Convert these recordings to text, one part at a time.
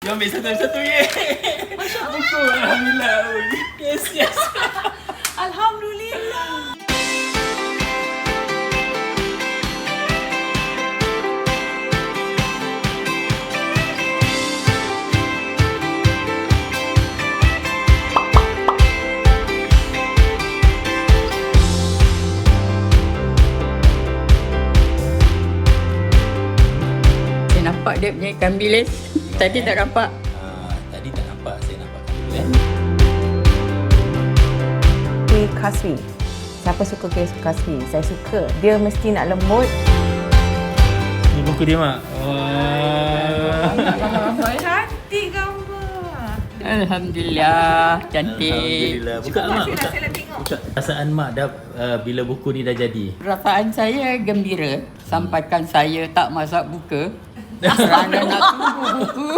Dia ambil satu-satu ye. Buku alhamdulillah. Yes. Alhamdulillah. Nampak dia punya ikan bilis. Tadi tak nampak. Tadi tak nampak, saya nampak dulu Kuih kaswi. Siapa suka kuih kaswi? Saya suka. Dia mesti nak lembut. Ini buku dia, Mak. Cantik gambar. Alhamdulillah. Cantik. Alhamdulillah. Buka, Mak. Buka. Perasaan Mak dah bila buku ni dah jadi? Perasaan saya gembira. Sampaikan saya tak masak buka. Kerana nak tunggu buku.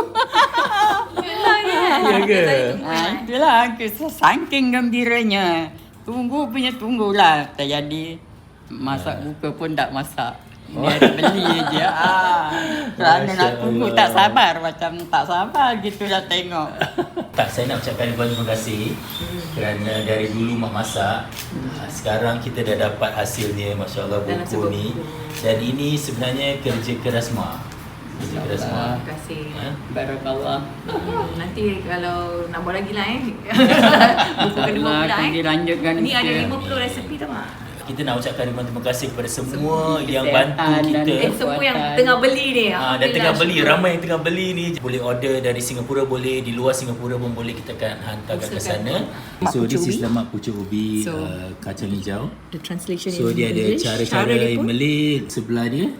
Ya ke? Itulah saking gembiranya. Tunggulah. Tak jadi. Masak buka pun tak masak. Dia beli je. Kerana nak tunggu tak sabar. Macam tak sabar gitu dah tengok. Tak, saya nak ucapkan terima kasih kerana dari dulu Mak masak. Sekarang kita dah dapat hasilnya, Masya Allah, buku ni. Dan ini sebenarnya kerja keras Mak. Terima kasih. Barakallah. Nanti kalau nak buat lagi lah buku kedua pula dilanjutkan. Ini ada 50 resepi tau Mak. Kita nak ucapkan terima kasih kepada semua yang bantu kita. Semua yang tengah beli ni. Dan tengah beli, ramai yang tengah beli ni. Boleh order dari Singapura, boleh di luar Singapura pun boleh, kita akan hantarkan ke sana. So this is lemak pucuk ubi kacang hijau. The translation So dia ada cara-cara Malay sebelah dia.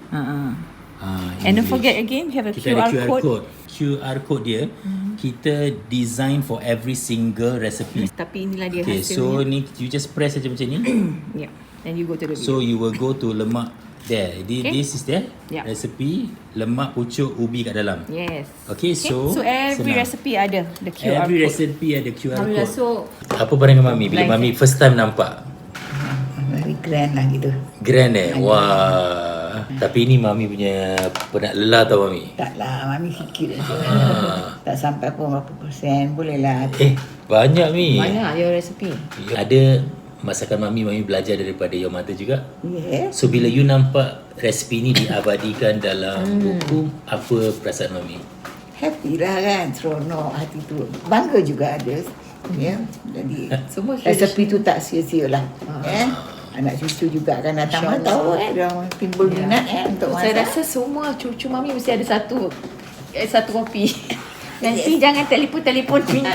And don't forget again, you have a Kita QR ada code. QR code dia, kita design for every single recipe. Tapi inilah dia Okay, hasilnya. so ni you just press saja macam ni. Yeah. Then you go to the video. So you will go to lemak there. This is there. Yeah. Recipe lemak pucuk ubi kat dalam. Yes. Okay, so every senang. recipe ada the QR Every code. recipe ada QR Alhamdulillah. code. So Apa pandangan Mami bila Mami first time nampak? Very grand lah gitu. Grand Wah. Tapi ini Mami punya penat lelah tau Mami. Taklah, Mami sikit je. Tak sampai pun berapa persen. Boleh lah. Banyak Mi. mana your recipe? Ada masakan Mami belajar daripada your mother juga. Yes. So bila you nampak resipi ni diabadikan dalam buku, apa perasaan Mami? Happy lah kan. Seronok hati tu. Bangga juga ada. Ya. Jadi Semua resepi tu tak sia-sia lah. Anak cucu juga akan datang tahu dia timbul minat untuk masak. Saya rasa semua cucu Mami mesti ada satu kopi. Nanti jangan telefon minta.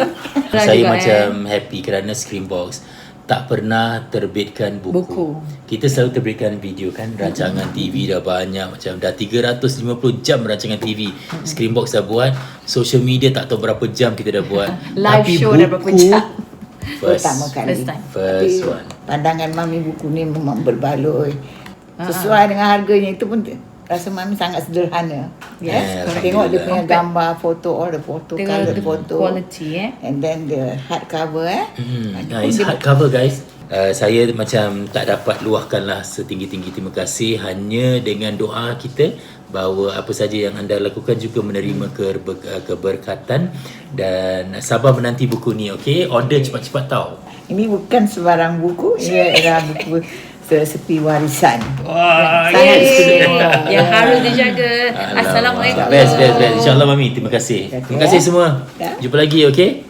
Saya macam happy kerana Screenbox tak pernah terbitkan buku. Kita selalu terbitkan video kan, rancangan TV dah banyak, macam dah 350 jam rancangan TV. Screenbox dah buat, social media tak tahu berapa jam kita dah buat. Live Tapi show buku, dah berapa jam. Pertama kali. First one. Pandangan Mami buku ni memang berbaloi. Sesuai dengan harganya itu pun rasa Mami sangat sederhana. Yes, Tengok dia punya gambar, foto, all the photo, color photo. Quality And then the hardcover It's hardcover guys. Saya macam tak dapat luahkan lah setinggi-tinggi terima kasih. Hanya dengan doa kita bahawa apa saja yang anda lakukan juga menerima keberkatan. Dan sabar menanti buku ni, okay? Order cepat-cepat tau. Ini bukan sebarang buku, ini adalah buku resepi warisan. Wah, Yang harus dijaga. Assalamualaikum. Best. InsyaAllah Mami, terima kasih. Terima kasih semua. Jumpa lagi, okay?